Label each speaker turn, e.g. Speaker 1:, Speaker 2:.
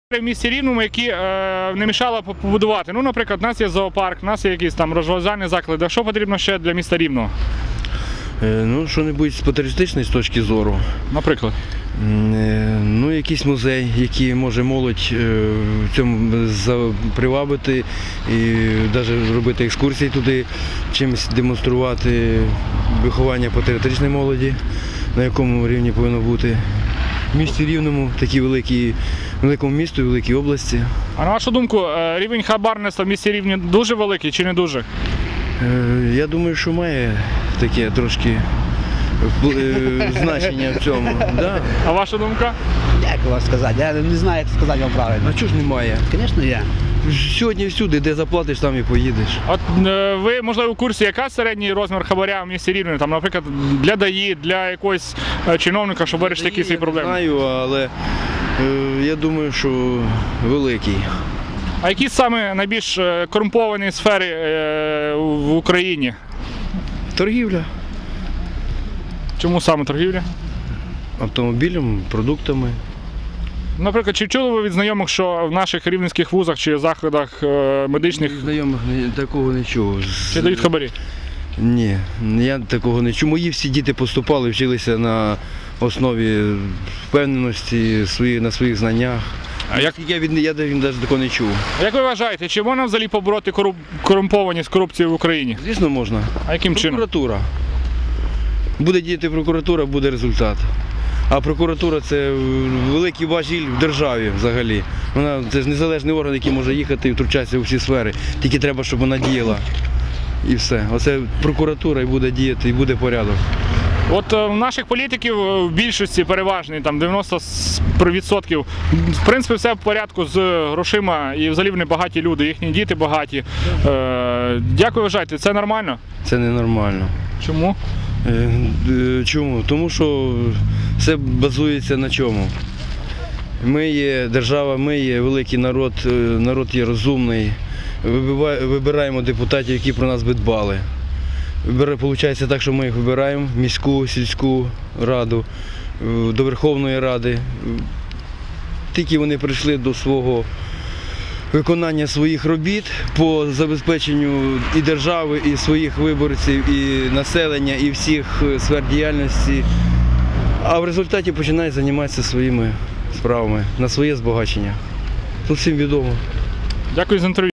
Speaker 1: В місті Рівному, які не мішало побудувати. Ну, наприклад, у нас є зоопарк, у нас є якісь там розважальні заклади. Що потрібно ще для міста Рівного?
Speaker 2: Ну, що-небудь з патріотичної точки зору.
Speaker 1: Наприклад?
Speaker 2: Ну, якийсь музей, який може молодь в цьому привабити і навіть робити екскурсії туди, чимось демонструвати виховання патріотичної молоді, на якому рівні повинно бути. В місті Рівному, великому місту і великій області.
Speaker 1: А на вашу думку, рівень хабарництва в місті Рівні дуже великий чи не дуже?
Speaker 2: Я думаю, що має таке трошки значення в цьому. Да.
Speaker 1: А ваша думка?
Speaker 3: Як вам сказати? Я не знаю, як сказати вам правильно.
Speaker 2: А чого ж немає?
Speaker 3: Звісно, є.
Speaker 2: Сьогодні всюди, де заплатиш, там і поїдеш.
Speaker 1: От ви, можливо, у курсі, яка середній розмір хабаря в місті Рівне? Там, наприклад, для ДАІ, для якогось чиновника, щоб вирішити якісь свої проблеми?
Speaker 2: Я не знаю, але я думаю, що великий.
Speaker 1: А які саме найбільш корумповані сфери в Україні?
Speaker 2: Торгівля.
Speaker 1: Чому саме торгівля?
Speaker 2: Автомобілем, продуктами.
Speaker 1: Наприклад, чи чули ви від знайомих, що в наших рівненських вузах чи закладах медичних
Speaker 2: Знайомих такого не чув.
Speaker 1: чи дають хабарі?
Speaker 2: Ні, я такого не чув. Мої всі діти поступали, вчилися на основі впевненості на своїх знаннях. Я навіть такого не чув.
Speaker 1: А як ви вважаєте, чи можна взагалі побороти корумпованість, корупцію в Україні?
Speaker 2: Звісно, можна.
Speaker 1: А яким чином?
Speaker 2: Прокуратура. Буде діяти прокуратура, буде результат. А прокуратура – це великий важіль в державі взагалі. Це ж незалежний орган, який може їхати і втручатися у всі сфери. Тільки треба, щоб вона діяла. І все. Оце прокуратура і буде діяти, і буде порядок.
Speaker 1: От у наших політиків в більшості переважній, там 90%, в принципі, все в порядку з грошима і взагалі вони багаті люди, їхні діти багаті. Як ви вважаєте, це нормально?
Speaker 2: Це ненормально.
Speaker 1: Чому?
Speaker 2: Чому? Тому що все базується на чому? Ми є держава, ми є великий народ, народ є розумний, вибираємо депутатів, які про нас би дбали. Виходить так, що ми їх вибираємо в міську, сільську раду, до Верховної Ради. Тільки вони прийшли до свого виконання своїх робіт по забезпеченню і держави, і своїх виборців, і населення, і всіх сфер діяльності. А в результаті починають займатися своїми справами на своє збагачення. Тут всім відомо.
Speaker 1: Дякую за інтерв'ю.